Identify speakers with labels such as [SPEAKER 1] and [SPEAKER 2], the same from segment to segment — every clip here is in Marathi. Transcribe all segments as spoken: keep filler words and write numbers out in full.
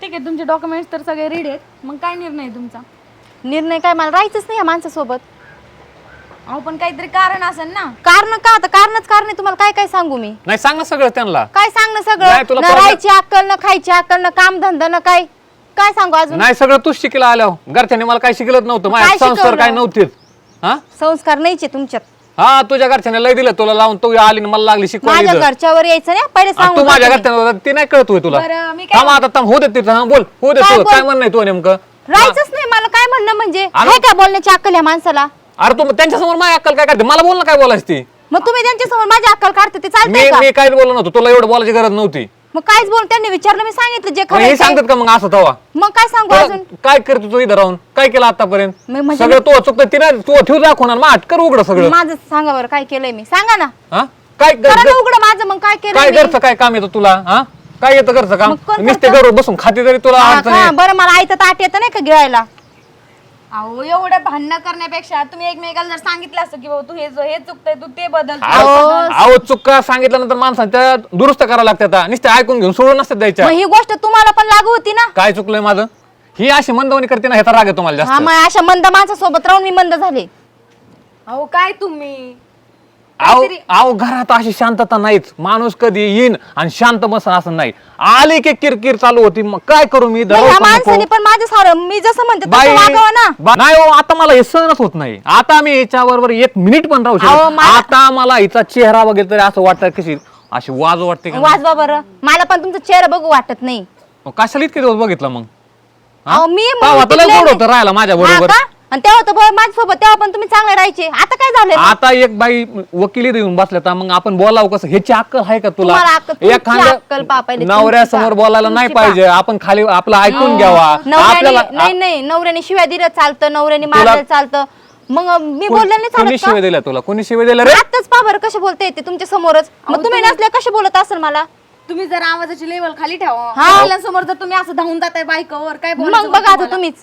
[SPEAKER 1] ठीक आहे, तुमचे डॉक्युमेंट्स तर सगळे रेडी आहेत, मग काय निर्णय आहे तुमचा?
[SPEAKER 2] निर्णय काय, मला राहायचंच नाही या माणसासोबत.
[SPEAKER 1] अहो पण काहीतरी कारण असेल ना.
[SPEAKER 2] कारण का, आता कारणच कारण आहे. तुम्हाला काय काय सांगू मी?
[SPEAKER 3] नाही सांग ना सगळं त्यांना.
[SPEAKER 2] काय सांगणं
[SPEAKER 3] नाही,
[SPEAKER 2] सगळं?
[SPEAKER 3] तुला
[SPEAKER 2] ना
[SPEAKER 3] problem-
[SPEAKER 2] राहायची अक्कल, ना खायची अक्कल, ना काम धंदा, ना काय काय सांगू अजून?
[SPEAKER 3] नाही सगळं तूच शिकला आल्यावर. घरच्यांनी मला काही शिकलत नव्हतं, माझे
[SPEAKER 2] काय
[SPEAKER 3] संस्कार
[SPEAKER 2] शिकवलं?
[SPEAKER 3] काय नव्हतेच. हा
[SPEAKER 2] संस्कार नाहीचे तुमच्यात.
[SPEAKER 3] हा तुझ्या घरच्याने लय दिलं तुला लावून, तू आली आणि मला लागली
[SPEAKER 2] माझ्या
[SPEAKER 3] शिकवायला.
[SPEAKER 2] घरच्यावर यायचं नाही पहिले सांगू.
[SPEAKER 3] तू माझ्या घरच्यांना ती नाही कळत होय तुला.
[SPEAKER 1] बरं, मी काय
[SPEAKER 3] थांब आता थांब, होऊ दे तिथं. हा बोल, होऊ दे.
[SPEAKER 2] काय
[SPEAKER 3] तू
[SPEAKER 2] बोल?
[SPEAKER 3] काय म्हणणं आहे तू नेमकं?
[SPEAKER 2] राहायचंच नाही मला. काय म्हणणं म्हणजे?
[SPEAKER 3] अरे-
[SPEAKER 2] आहे का बोलण्याची अक्कल या माणसाला?
[SPEAKER 3] अरे तू त्यांच्या समोर माझी अक्कल काय करते? मला बोल ना काय बोलायची ती.
[SPEAKER 2] मग तुम्ही त्यांच्या समोर माझी अक्कल काढते ते
[SPEAKER 3] मी
[SPEAKER 2] चालतंय का?
[SPEAKER 3] मी काय बोललो नव्हतो, तुला एवढं बोलायची गरज नव्हती.
[SPEAKER 2] मग काहीच बोल, त्यांनी विचारलं मी सांगितलं जे
[SPEAKER 3] मग
[SPEAKER 2] खरं
[SPEAKER 3] हे
[SPEAKER 2] आहे ते.
[SPEAKER 3] सांगतात का मग असं तवा?
[SPEAKER 2] मग काय सांगू अजून?
[SPEAKER 3] काय करतो तू इथं राहून? काय केलं आतापर्यंत?
[SPEAKER 2] मी म्हणजे
[SPEAKER 3] सगळं तो चुकतं तिने तू ठेवू दाखवणार मग अटकर उघड सगळं.
[SPEAKER 2] माझं सांगा बरं काय केलंय मी, सांगा ना.
[SPEAKER 3] हा काय
[SPEAKER 2] करा
[SPEAKER 3] ग-
[SPEAKER 2] ना उघडं माझं. मग काय
[SPEAKER 3] काय
[SPEAKER 2] केलंय मी?
[SPEAKER 3] घरचं काय काम येतं तुला? हा काय येतं घरचं काम?
[SPEAKER 2] मग कोण
[SPEAKER 3] नुसते
[SPEAKER 2] करतं?
[SPEAKER 3] घरावर बसून खाते तरी तुला
[SPEAKER 2] हा
[SPEAKER 3] अडचण
[SPEAKER 2] का?
[SPEAKER 3] आहे.
[SPEAKER 2] बरं मला आयतं ताट येतं नाही का गिळायला?
[SPEAKER 1] अहो एवढं भांडणं करण्यापेक्षा तुम्ही एकमेकाला जर सांगितलं असतं की बाबा तू हे हे चुकतंय, तू ते बदल, तू
[SPEAKER 3] अहो
[SPEAKER 1] हे बदल.
[SPEAKER 3] अहो, चुका सांगितल्यानंतर माणसाने त्या दुरुस्त करावं लागतात. नुसते ऐकून घेऊन सोडून नसतात द्यायच्या.
[SPEAKER 2] मग ही गोष्ट तुम्हाला पण लागू होती ना.
[SPEAKER 3] काय चुकलंय माझं? ही अशी मंदवणी करते ना, ह्याचा राग आहे तुम्हाला
[SPEAKER 2] हा
[SPEAKER 3] जास्त.
[SPEAKER 2] मग अशा मंद माणसासोबत राहून मी मंद झाले.
[SPEAKER 1] अहो काय तुम्ही
[SPEAKER 3] अहो अहो घरात अशी शांतता नाहीच. माणूस कधी येईन आणि शांत बसन असं नाही. आली की किरकिर चालू होती. मग काय करू मी?
[SPEAKER 2] मग
[SPEAKER 3] दररोज
[SPEAKER 2] ह्या
[SPEAKER 3] पण नको.
[SPEAKER 2] माणसाने पण माझं सारं मी जसं म्हणते
[SPEAKER 3] बाई
[SPEAKER 2] तसं वागावं ना.
[SPEAKER 3] बा- नाही हो, आता मला हे सहनच होत नाही. आता मी हिच्या बरोबर एक मिनिट पण राहू
[SPEAKER 2] अहो,
[SPEAKER 3] शकत.
[SPEAKER 2] मला-
[SPEAKER 3] आता मला हिचा चेहरा बघितलं तरी असं वाटतं कशी अशी वाज वाटते का?
[SPEAKER 2] वाजवा बरं. मला पण तुमचा चेहरा बघू वाटत नाही.
[SPEAKER 3] मग कशाला इतके दिवस बघितलं मग? हा?
[SPEAKER 2] अहो, मी
[SPEAKER 3] तेव्हा
[SPEAKER 2] म्हणून
[SPEAKER 3] तुला
[SPEAKER 2] टिकले
[SPEAKER 3] गोड
[SPEAKER 2] नाही.
[SPEAKER 3] होतं राहायला माझ्या
[SPEAKER 2] हा
[SPEAKER 3] बरोबर.
[SPEAKER 2] का? आणि तेव्हा तर बरं माझ्यासोबत तेव्हा पण तुम्ही चांगले राहायचे. आता काय झालंय?
[SPEAKER 3] आता एक बाई वकिली येऊन बसल्या तर मग आपण बोलावं कसं? ह्याची अक्कल आहे का तुला?
[SPEAKER 2] तुम्हाला अक्कल- तुमची
[SPEAKER 3] एखाद्या
[SPEAKER 2] अक्कल पहा पहिले,
[SPEAKER 3] नवऱ्यासमोर
[SPEAKER 2] तुमची
[SPEAKER 3] बोलायला नाही
[SPEAKER 2] तुमची
[SPEAKER 3] पाहिजे. आपण खाली आपलं ऐकून घ्यावा.
[SPEAKER 2] नवऱ्याने
[SPEAKER 3] आपल्याला
[SPEAKER 2] नाही नाही नवऱ्याने शिव्या दिलं चालतं, नवऱ्याने मारलं चालतं. मग मी बोलले नाही
[SPEAKER 3] कोणी
[SPEAKER 2] चालत
[SPEAKER 3] शिवाय
[SPEAKER 2] का?
[SPEAKER 3] दिल्या तुला? कोणी शिवाय दिल्या रे?
[SPEAKER 2] आताच पहा बरं कसे बोलते ते तुमच्या समोरच. मग तुम्ही नसल्या कसे बोलत असेल मला?
[SPEAKER 1] तुम्ही जर आवाजाची लेवल खाली ठेवा.
[SPEAKER 2] हा.
[SPEAKER 1] महिलांसमोर जर तुम्ही असं धावून जाताय बायकावर, काय बोलायचं
[SPEAKER 2] मग बघा आता
[SPEAKER 1] तुम्हाला?
[SPEAKER 2] तुम्हीच.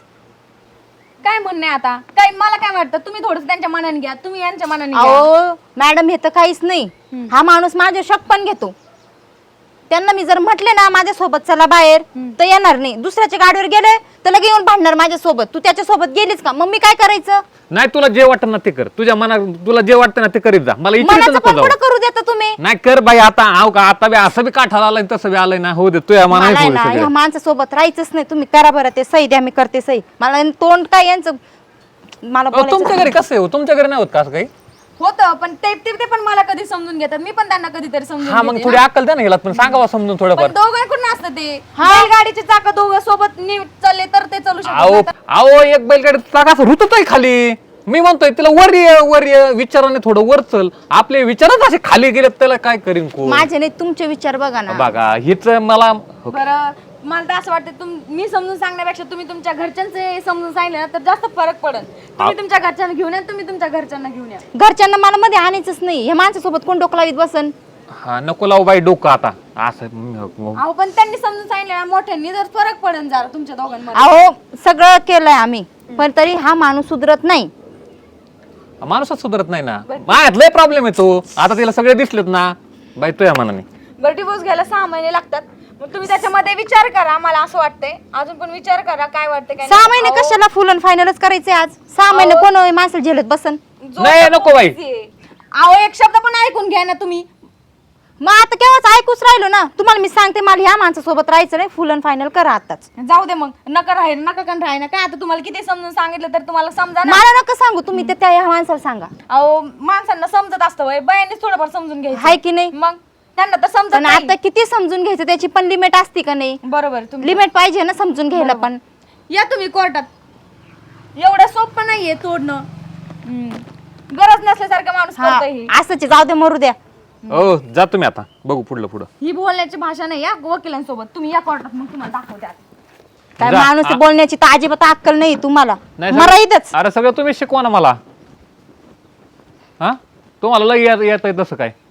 [SPEAKER 1] काय म्हणणे आता? काय मला काय वाटतं, तुम्ही थोडस त्यांच्या मनाने घ्या, तुम्ही यांच्या मनाने घ्या.
[SPEAKER 2] अहो मॅडम हे तर काहीच नाही. हा माणूस माझे शक पण घेतो. त्यांना मी जर म्हटले ना माझ्या सोबत चला बाहेर तर येणार नाही. दुसऱ्याच्या गाडीवर गेले तर लगे येऊन भांडणार माझ्या सोबत. तू त्याच्या सोबत गेलीच का? मग मी काय करायचं?
[SPEAKER 3] नाही तुला जे वाटतं ना ते कर. तुझ्या मनात तुला जे वाटतं ना ते करीत जा. मला इथे
[SPEAKER 2] मनाचं
[SPEAKER 3] नको
[SPEAKER 2] पण
[SPEAKER 3] जाऊ.
[SPEAKER 2] पुढं करू देता तुम्ही.
[SPEAKER 3] नाही कर बाई आता. आव का आता बी असं बी काठाला आलाय तसं बी आलंय ना. हो दे तुझ्या
[SPEAKER 2] मला आहे ना
[SPEAKER 3] मनात.
[SPEAKER 2] ह्या माणसासोबत राहायचंच नाही. तुम्ही करा बरं ते सही द्या, मी करते सही. मला तोंड काय यांचं मला
[SPEAKER 3] तुमच्या
[SPEAKER 2] बोलायचं.
[SPEAKER 3] घरी कसं आहे हो? तुमच्या घरी नाही होत का असं काही?
[SPEAKER 1] होतं पण ते ते ते पण मला कधी समजून घेतात, मी पण त्यांना कधीतरी समजून
[SPEAKER 3] हा मग
[SPEAKER 1] घेते
[SPEAKER 3] थोडी
[SPEAKER 1] ना.
[SPEAKER 3] अक्कल द्या ना हिला. पण सांगावा समजून थोडंफार.
[SPEAKER 1] पण दोघांकडून असतं ते. बैलगाडीचे चाक दोघं सोबत नीट चालले तर ते चालू
[SPEAKER 3] अहो
[SPEAKER 1] शकतात.
[SPEAKER 3] अहो एक बैलगाडी चाक असं रुतत आहे खाली. मी म्हणतोय तिला वर ये वर ये विचाराने थोडं वर चल. आपले विचारच असे खाली गेले त्याला काय करीन कोण?
[SPEAKER 2] माझे नाही तुमचे विचार बघा ना.
[SPEAKER 3] बघा हिच मला
[SPEAKER 1] बरं मला तर असं वाटतं तुम मी समजून सांगण्यापेक्षा तुम्ही तुमच्या घरच्यांचे समजून सांगितलं ना तर जास्त फरक पडेल. तुम्ही तुमच्या घरच्यांना घेऊन या, तुम्ही तुमच्या घरच्यांना घेऊन या.
[SPEAKER 2] घरच्यांना मला मध्ये आणायचंच नाही. हे माणसासोबत कोण डोकं लावीत बसन?
[SPEAKER 3] हा नको लावू बाई डोकं आता असं.
[SPEAKER 1] अहो पण त्यांनी समजून सांगितलं ना मोठ्यांनी, जर फरक पडेल जरा तुमच्या दोघांमध्ये.
[SPEAKER 2] अहो सगळं केलंय आम्ही पण तरी हा माणूस सुधरत नाही.
[SPEAKER 3] माणूसच सुधरत नाही ना. माझ्यात लय प्रॉब्लेम येतो. आता तिला सगळे दिसलेत ना बाई तुझ्या मनाने.
[SPEAKER 1] बरं डिवोर्स घ्यायला सहा महिने लागतात. मग तुम्ही त्याच्यामध्ये विचार करा. मला असं वाटतंय अजून पण विचार करा काय वाटतं काय
[SPEAKER 2] सहा महिने कशाला फुल अँड फायनलच करायचे आज? सहा महिने कोण माणसं झेलत बसन?
[SPEAKER 3] नाही, नको बाई.
[SPEAKER 1] अहो एक शब्द पण ऐकून घ्या ना तुम्ही.
[SPEAKER 2] मग आता केव्हाच ऐकूच राहिलो ना. तुम्हाला मी सांगते मला ह्या माणसासोबत राहायचं नाही. फुल अँड फायनल करा आताच.
[SPEAKER 1] जाऊ दे मग नका राहील नका कण राहील काय. आता तुम्हाला किती समजून सांगितलं तर तुम्हाला समजा ना.
[SPEAKER 2] मला नका सांगू तुम्ही ते त्या ह्या माणसाला सांगा.
[SPEAKER 1] अहो माणसांना समजत असतं वय बायांनीच थोडंफार समजून घ्यायचं.
[SPEAKER 2] हाय की नाही?
[SPEAKER 1] मग त्यांना तर समजत
[SPEAKER 2] पण
[SPEAKER 1] नाही.
[SPEAKER 2] आता किती समजून घ्यायचं त्याची पण लिमिट असते का नाही?
[SPEAKER 1] बरोबर तुम्ही
[SPEAKER 2] लिमिट पाहिजे ना समजून घ्यायला पण.
[SPEAKER 1] या तुम्ही कोर्टात. एवढं सोपं नाहीये तोडणं. हम्म. गरज नसल्यासारखं माणूस
[SPEAKER 2] हा
[SPEAKER 1] करतोय हे.
[SPEAKER 2] असंच आहे, जाऊ दे मरू द्या.
[SPEAKER 3] हो जा तुम्ही आता बघू पुढलं पुढं.
[SPEAKER 1] ही बोलण्याची भाषा नाही या वकिलांसोबत. तुम्ही या कोर्टात मग तुम्हाला दाखवते आता.
[SPEAKER 2] काय
[SPEAKER 3] जा.
[SPEAKER 2] माणूस
[SPEAKER 3] आ-
[SPEAKER 2] बोलण्याची तर अजिबात अक्कल नाही तुम्हाला.
[SPEAKER 3] नाही
[SPEAKER 2] मरा
[SPEAKER 3] सगळं-
[SPEAKER 2] इथंच.
[SPEAKER 3] अरे सगळं तुम्ही शिकवा ना मला. हा तुम्हाला लय येत येत तसं काय?